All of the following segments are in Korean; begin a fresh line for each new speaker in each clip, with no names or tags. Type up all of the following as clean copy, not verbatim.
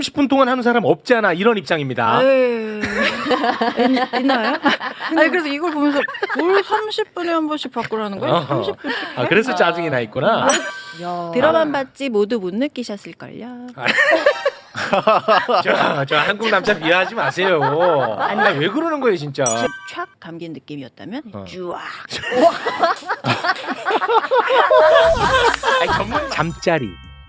30분 동안 하는 사람 없잖아 이런 입장입니다.
있나요? 아니 그래서 이걸 보면서 뭘 30분에 한 번씩 바꾸라는 거예요? 30분씩.
아, 그래서 짜증이 나 있구나.
들어만 봤지 모두 못 느끼셨을걸요.
저 한국 남자 비하하지 마세요. 아니 왜 그러는 거예요 진짜.
촥 감긴 느낌이었다면 쭈악.
아니, 전문 잠자리.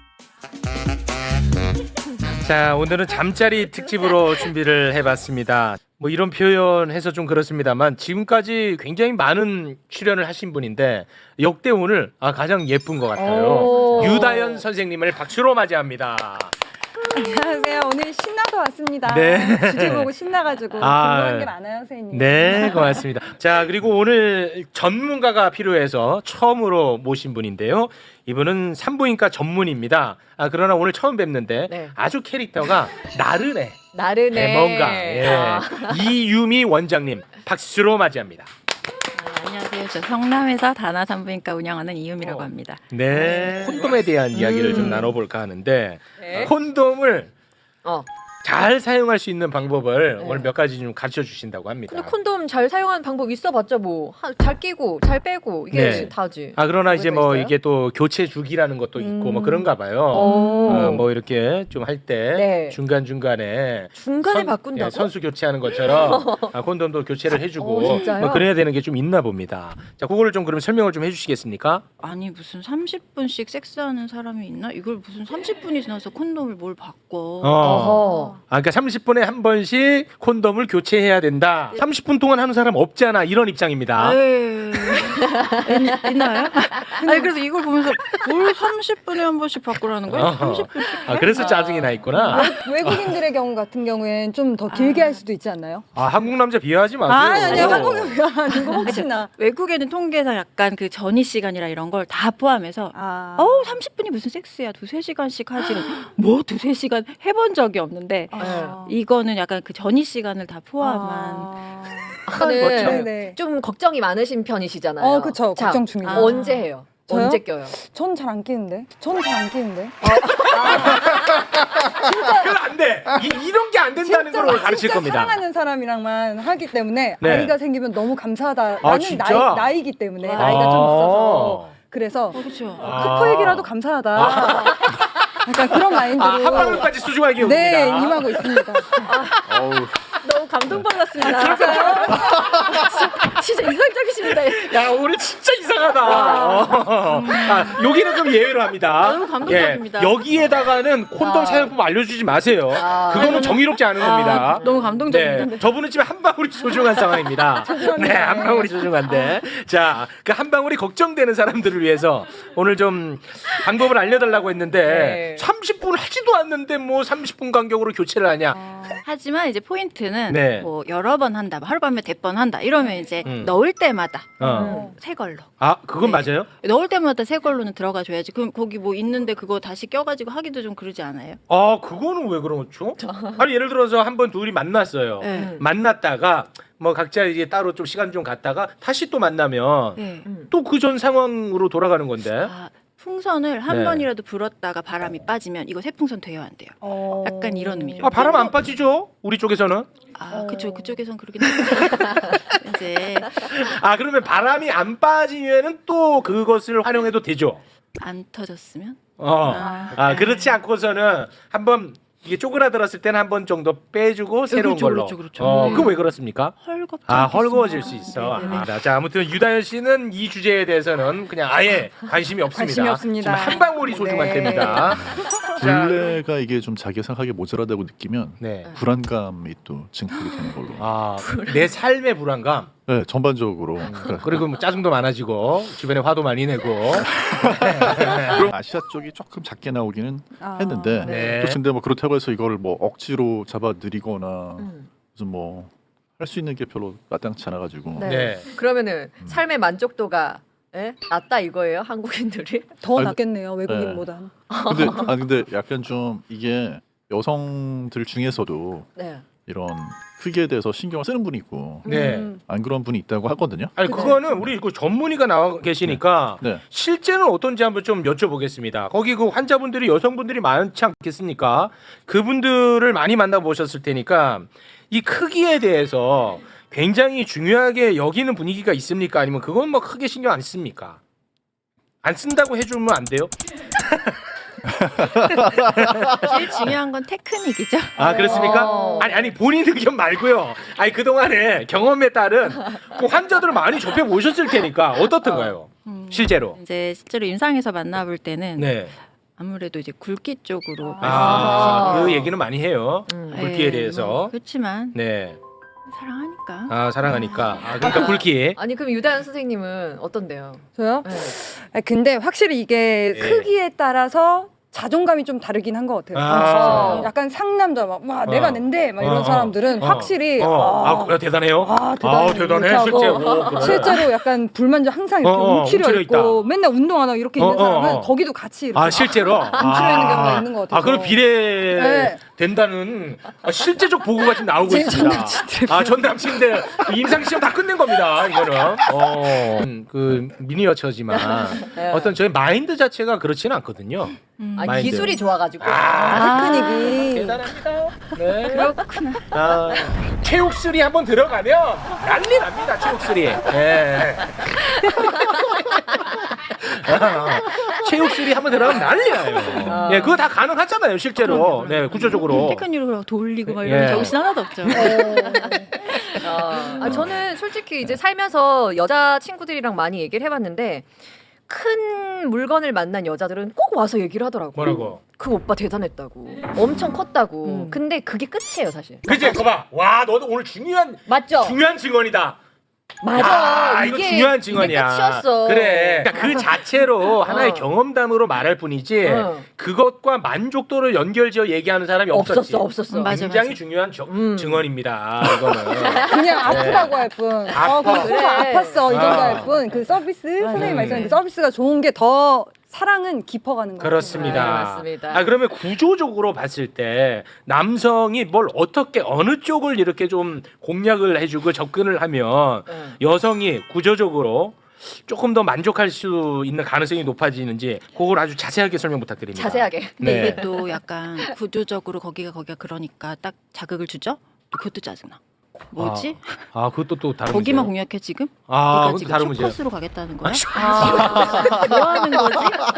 자, 오늘은 잠자리 특집으로 준비를 해봤습니다. 뭐 이런 표현 해서 좀 그렇습니다만 지금까지 굉장히 많은 출연을 하신 분인데 역대 오늘 가장 예쁜 것 같아요. 유다연 선생님을 박수로 맞이합니다.
안녕하세요. 오늘 신나서 왔습니다.
네.
주제 보고 신나가지고 궁금한 게 많아요, 선생님.
네, 고맙습니다. 자, 그리고 오늘 전문가가 필요해서 처음으로 모신 분인데요. 이분은 산부인과 전문입니다. 그러나 오늘 처음 뵙는데
네.
아주 캐릭터가 나른해.
나르네.
뭔가. 예. 이유미 원장님 박수로 맞이합니다.
안녕하세요. 저 성남에서 다나 산부인과 운영하는 이유미라고 합니다.
네. 콘돔에 대한 이야기를 좀 나눠볼까 하는데
네.
콘돔을
어.
잘 사용할 수 있는 방법을
네.
오늘 몇 가지 좀 가르쳐 주신다고 합니다.
근데 콘돔 잘 사용하는 방법 있어봤자 뭐 잘 끼고 잘 빼고 이게
네.
다지.
그러나 이제 뭐
있어요?
이게 또 교체 주기라는 것도 있고 뭐 그런가 봐요.
오.
뭐 이렇게 좀 할 때
네.
중간 중간에
중간에 바꾼다고?
선수 교체하는 것처럼 콘돔도 교체를 해주고
진짜요?
뭐 그래야 되는 게 좀 있나 봅니다. 자, 그거를 좀 그럼 설명을 좀 해주시겠습니까?
아니 무슨 30분씩 섹스하는 사람이 있나? 이걸 무슨 30분이 지나서 콘돔을 뭘 바꿔?
어허.
그러니까 30분에 한 번씩 콘돔을 교체해야 된다. 30분 동안 하는 사람 없잖아 이런 입장입니다.
있나요? 아니 그래서 이걸 보면서 뭘 30분에 한 번씩 바꾸라는 거예요? 30분씩.
그래서 짜증이 나 있구나.
외국인들의 경우 같은 경우엔 좀 더 길게 할 수도 있지 않나요?
한국 남자 비하하지 마세요.
아니요. 한국에 비하하는 거 혹시나.
외국에는 통계상 약간 그 전이 시간이라 이런 걸 다 포함해서 30분이 무슨 섹스야? 2-3시간씩 하지. 뭐 2-3시간 해본 적이 없는데 이거는 약간 그 전이 시간을 다 포함한
저는
네.
좀 걱정이 많으신 편이시잖아요.
그쵸.
자,
걱정 중이에요.
언제 해요?
저요?
언제 껴요?
전 잘 안 끼는데.
그건 안 돼. 이런 게 안 된다는 걸 가르칠
진짜
겁니다.
사랑하는 사람이랑만 하기 때문에
네.
아이가 생기면 너무 감사하다.
아,
나는
진짜?
나이기 때문에 나이가 좀 있어서 그래서
그렇죠.
크포에게라도 감사하다. 약간 그런 마인드로
한 방울까지 소중하게 옵니다.
네, 임하고 있습니다.
너무 감동받았습니다. 진짜 이상적이십니다.
야, 오늘 진짜 이상하다. 여기는 좀 예외로 합니다.
너무 감동적입니다.
여기에다가는 콘돔 사용법 알려주지 마세요. 그거는 정의롭지 않은 겁니다.
너무 감동적인데.
네, 저분은 지금 한 방울이 소중한 상황입니다. 네, 한 방울이 소중한데. 자, 그 한 방울이 걱정되는 사람들을 위해서 오늘 좀 방법을 알려달라고 했는데
네.
30분 하지도 않는데 뭐 30분 간격으로 교체를 하냐.
하지만 이제 포인트는
네.
뭐 여러 번 한다, 뭐 하룻밤에 100번 한다 이러면 이제 넣을 때마다 새 걸로.
그건 맞아요?
넣을 때마다 새 걸로는 들어가 줘야지. 그럼 거기 뭐 있는데 그거 다시 껴가지고 하기도 좀 그러지 않아요?
그거는 왜 그렇죠? 아니 예를 들어서 한 번 둘이 만났어요.
네.
만났다가 뭐 각자 이제 따로 좀 시간 좀 갔다가 다시 또 만나면
네.
또 그 전 상황으로 돌아가는 건데.
풍선을 한
네.
번이라도 불었다가 바람이 빠지면 이거 새풍선 돼요, 안 돼요? 약간 이런 의미죠.
바람 안 빠지죠? 우리 쪽에서는.
그쵸. 그쪽에선 그러긴 한데 이제
그러면 바람이 안 빠지면은 또 그것을 활용해도 되죠.
안 터졌으면.
그렇지 않고서는 한번 이게 쪼그라들었을 때는 한 번 정도 빼주고 새로운
그렇죠,
걸로.
그렇죠.
그거 왜 그렇습니까?
헐겁죠.
헐거워질 수 있어. 자, 아무튼 유다현 씨는 이 주제에 대해서는 그냥 아예 관심이 없습니다.
관심이 없습니다.
지금 한 방울이 소중할
네.
때입니다.
굴레가 이게 좀 자기가 생각하기에 모자라다고 느끼면
네.
불안감이 또 증폭이 되는 걸로.
내 삶의 불안감.
네, 전반적으로.
그리고 뭐 짜증도 많아지고 주변에 화도 많이 내고.
그럼 아시아 쪽이 조금 작게 나오기는 했는데
네.
또 근데 뭐 그렇다고 해서 이거를 뭐 억지로 잡아 들이거나 무슨 뭐 할 수 있는 게 별로 마땅치 않아가지고.
네.
네.
그러면은 삶의 만족도가 낮다 이거예요, 한국인들이?
더
아니,
낫겠네요, 외국인보단.
근데 약간 좀 이게 여성들 중에서도
네.
이런 크기에 대해서 신경을 쓰는 분이 있고
네.
안 그런 분이 있다고 하거든요.
아니 그거는 우리 그 전문의가 나와 계시니까
네.
실제는 어떤지 한번 좀 여쭤보겠습니다. 거기 그 환자분들이 여성분들이 많지 않겠습니까? 그분들을 많이 만나보셨을 테니까 이 크기에 대해서 굉장히 중요하게 여기는 분위기가 있습니까? 아니면 그건 뭐 크게 신경 안 씁니까? 안 쓴다고 해주면 안 돼요?
제일 중요한 건 테크닉이죠.
아 그렇습니까? 아니 본인 의견 말고요. 아니 그동안에 경험에 따른 그 환자들을 많이 접해 보셨을 테니까 어떻던가요? 실제로.
이제 실제로 임상에서 만나볼 때는
네.
아무래도 이제 굵기 쪽으로
그 얘기는 많이 해요. 굵기에 대해서.
그렇지만
네.
사랑하니까.
사랑하니까. 그러니까 굵기.
아니 그럼 유다현 선생님은 어떤데요?
저요?
네.
근데 확실히 이게
예.
크기에 따라서 자존감이 좀 다르긴 한 것 같아요. 약간 상남자 막 내가 낸데 막 이런 사람들은 확실히
그래 대단해요.
대단해.
대단해.
이렇게
실제.
하고
그래.
실제로 약간 불만족 항상 이렇게 움츠려
움츠려
있고
있다.
맨날 운동 안 하고 이렇게 있는 사람은 거기도 같이 이렇게
실제로.
움츠려 있는 경우가 있는 것 같아요.
그럼 비례
네.
된다는 실제적 보고가 지금 나오고 있습니다. 전 남친들 임상 시험 다 끝낸 겁니다. 이거는. 그 미니어처지만 어떤 저희 마인드 자체가 그렇지는 않거든요.
아니
마인드.
기술이 좋아가지고.
테크닉이
대단합니다. 네. 그렇구나. 체육술이 한번 들어가면 난리 납니다. 체육술이. 예. 체육술이 한번 들어가면 난리 나요. 예, 그거 다 가능하잖아요, 실제로. 네, 구조적으로.
테크닉으로 돌리고 막 이런 정신 하나도 없죠.
저는 솔직히 이제 살면서 여자 친구들이랑 많이 얘기를 해봤는데 큰 물건을 만난 여자들은 꼭 와서 얘기를 하더라고.
뭐라고?
그 오빠 대단했다고. 엄청 컸다고. 근데 그게 끝이에요, 사실.
그치, 거봐. 와, 너도 오늘 중요한 증언이다.
맞아.
이거 중요한 증언이야.
이게 끝이었어.
그래. 그러니까 그 자체로 하나의 경험담으로 말할 뿐이지 그것과 만족도를 연결지어 얘기하는 사람이 없었지.
없었어.
굉장히 중요한 증언입니다. 이거는.
그냥 아프다고 할 뿐.
아파.
그래. 아팠어 이 정도 할 뿐. 그 서비스 선생님 말씀하신 그 서비스가 좋은 게 더 사랑은 깊어가는 거예요.
그렇습니다.
네, 맞습니다.
그러면 구조적으로 봤을 때 남성이 뭘 어떻게 어느 쪽을 이렇게 좀 공략을 해주고 접근을 하면 여성이 구조적으로 조금 더 만족할 수 있는 가능성이 높아지는지 그걸 아주 자세하게 설명 부탁드립니다.
자세하게.
근데
네.
이게 또 약간 구조적으로 거기가 그러니까 딱 자극을 주죠. 그것도 짜증나. 뭐지?
그것도 또 다른
거기만
문제예요?
공략해 지금?
그것도
그러니까 지금
다른 문제예요.
쇼컷으로 가겠다는 거야? 뭐 하는 거지?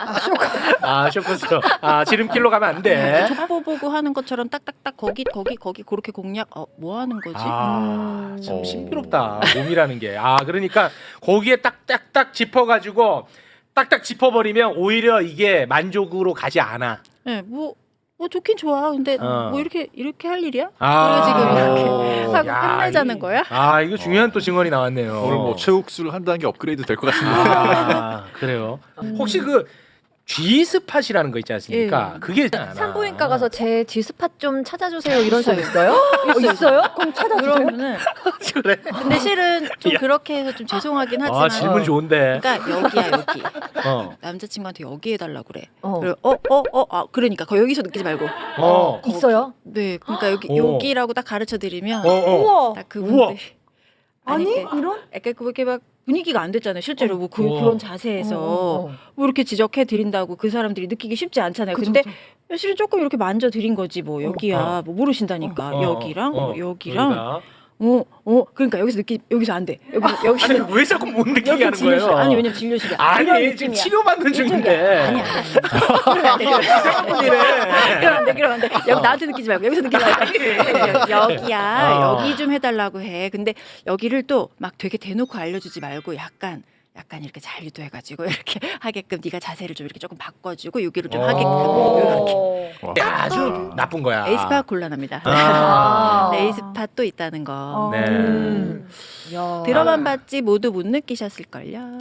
쇼커스. 지름길로 가면 안 돼.
족보 보고 하는 것처럼 딱딱딱 거기 그렇게 공략. 뭐 하는 거지?
참 신비롭다. 몸이라는 게. 그러니까 거기에 딱딱딱 짚어가지고 딱딱 짚어버리면 오히려 이게 만족으로 가지 않아.
네, 뭐 좋긴 좋아. 근데 뭐 이렇게 할 일이야?
아.
그래 지금 이렇게 하고
야,
끝내자는 거야?
이거 중요한 또 증언이 나왔네요.
오늘 뭐 체육술 한 단계 업그레이드 될 것 같습니다.
그래요. 혹시 그 G스팟이라는 거 있지 않습니까? 그게
산부인과 가서 제 G스팟 좀 찾아주세요 이런 사람 있어요? 있어요?
그럼 찾아주세요.
그러면은
그래.
근데 실은 좀 그렇게 해서 좀 죄송하긴 하지만
질문 좋은데.
그러니까 여기야 여기 남자친구한테 여기 해달라고 그래. 그러니까 여기서 느끼지 말고
있어요?
네 그러니까 여기라고 딱 가르쳐 드리면
우와.
딱 그분들
아니
이런? 약간 그렇게 막 분위기가 안 됐잖아요 실제로 뭐 그런 자세에서 뭐 이렇게 지적해 드린다고 그 사람들이 느끼기 쉽지 않잖아요. 근데 실은 조금 이렇게 만져 드린 거지 뭐 여기야 뭐 모르신다니까 여기랑 여기랑 그러니까 여기서 안 돼. 여기서
아니 왜 자꾸 못 느끼게 하는
진료실.
거예요?
아니 왜냐면 진료실이야.
아니 지금 치료받는 중인데.
아니.
이상한 분이네.
그러면 안 돼. 여기 나한테 느끼지 말고 여기서 느끼지 말고. 여기야. 여기 좀 해달라고 해. 근데 여기를 또 막 되게 대놓고 알려주지 말고 약간 이렇게 잘 유도해가지고 이렇게 하게끔 네가 자세를 좀 이렇게 조금 바꿔주고 여기를 좀 하게끔 이렇게.
아주 나쁜 거야.
에이스팟 곤란합니다. 에이스팟 또 있다는 거.
네.
들어만 봤지 모두 못 느끼셨을걸요.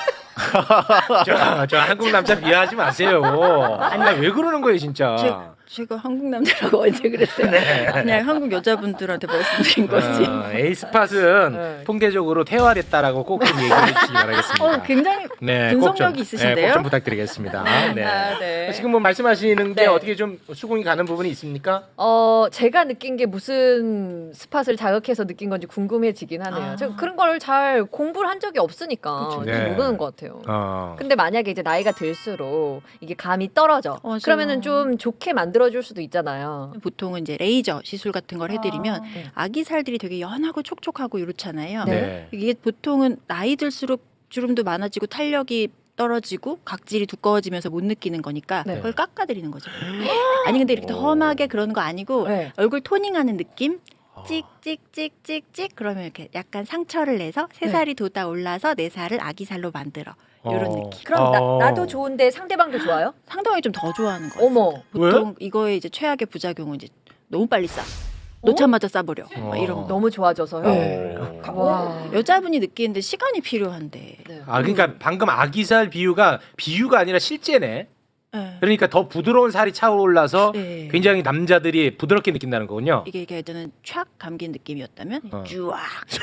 저 한국 남자 비하하지 마세요. 아니 왜 그러는 거예요 진짜.
제가 한국 남자라고 언제 그랬어요? 그냥 한국 여자분들한테 말씀드린 거지.
에이스팟은
네.
통계적으로 퇴화됐다라고 꼭 좀 얘기해 주시기 바라겠습니다.
굉장히
네,
분석력이
꼭
있으신데요?
좀 부탁드리겠습니다. 네.
아, 네.
지금 뭐 말씀하시는 게
네.
어떻게 좀 수긍이 가는 부분이 있습니까?
제가 느낀 게 무슨 스팟을 자극해서 느낀 건지 궁금해지긴 하네요. 제가 그런 걸 잘 공부를 한 적이 없으니까
그쵸.
잘
네.
모르는 것 같아요. 근데 만약에 이제 나이가 들수록 이게 감이 떨어져.
맞아요.
그러면은 좀 좋게 만들어줄 수도 있잖아요.
보통은 이제 레이저 시술 같은 걸 해드리면
네.
아기 살들이 되게 연하고 촉촉하고 이렇잖아요.
네.
이게 보통은 나이 들수록 주름도 많아지고 탄력이 떨어지고 각질이 두꺼워지면서 못 느끼는 거니까
네.
그걸 깎아드리는 거죠. 아니 근데 이렇게 험하게 그러는 거 아니고
네.
얼굴 토닝하는 느낌? 찍찍찍찍찍 그러면 이렇게 약간 상처를 내서 새
네.
살이 돋아 올라서 내 살을 아기 살로 만들어 이런 느낌.
그럼 나도 좋은데 상대방도 좋아요?
상대방이 좀 더 좋아하는 거예요.
어머.
보통 이거의 이제 최악의 부작용은 이제 너무 빨리 싸. 놓자마자 싸버려. 막 이런 거.
너무 좋아져서요.
네.
와.
여자분이 느끼는데 시간이 필요한데.
네.
그러니까 방금 아기살 비유가 아니라 실제네.
네.
그러니까 더 부드러운 살이 차올라서
네.
굉장히 남자들이 부드럽게 느낀다는 거군요.
이게 예전엔 촥 감긴 느낌이었다면 쭈악.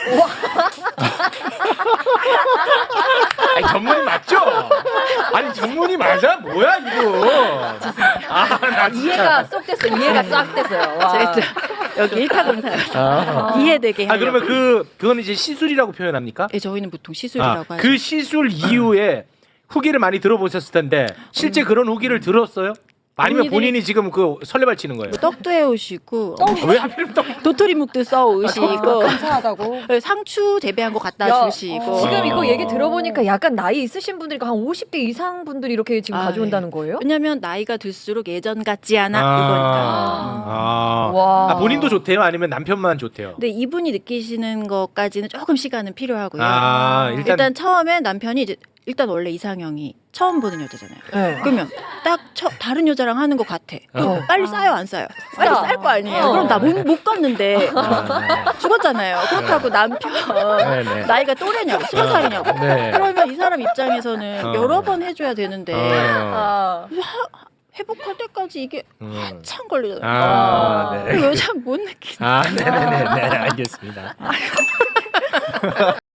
아니, 전문이 맞죠? 아니 전문이 맞아? 뭐야 이거? 나
이해가 쏙 됐어요. 이해가 싹 됐어요. 와.
제가 또 여기 1타 검사요. 이해되게 하려고.
그러면 그거는 이제 시술이라고 표현합니까?
예, 저희는 보통 시술이라고 하죠.
그 시술 이후에 후기를 많이 들어보셨을 텐데 실제 그런 후기를 들었어요? 아니면
언니들이-
본인이 지금 그 설레발 치는 거예요?
떡도 해오시고
왜 하필 떡?
도토리묵도 써오시고
감사하다고.
상추 재배한 거 갖다
야,
주시고
지금 이거 얘기 들어보니까 약간 나이 있으신 분들이 한 50대 이상 분들이 이렇게 지금
아,
가져온다는 거예요?
왜냐면 나이가 들수록 예전 같지 않아 이거니까.
와.
본인도 좋대요? 아니면 남편만 좋대요?
근데 이분이 느끼시는 것까지는 조금 시간은 필요하고요.
일단
처음에 남편이 이제 일단 원래 이상형이 처음 보는 여자잖아요.
네.
그러면 딱 다른 여자랑 하는 것 같아. 그럼 빨리 싸요, 안 싸요? 빨리
싸.
쌀 거 아니에요.
어.
그럼 나 못 갔는데 죽었잖아요. 그렇다고 남편
네네.
나이가 또래냐고 20살이냐고.
네.
그러면 이 사람 입장에서는
어.
여러 번 해줘야 되는데
아.
회복할 때까지 이게 한참 걸리잖아요.
네.
그 여자는 못 느끼는.
네네네. 네, 알겠습니다.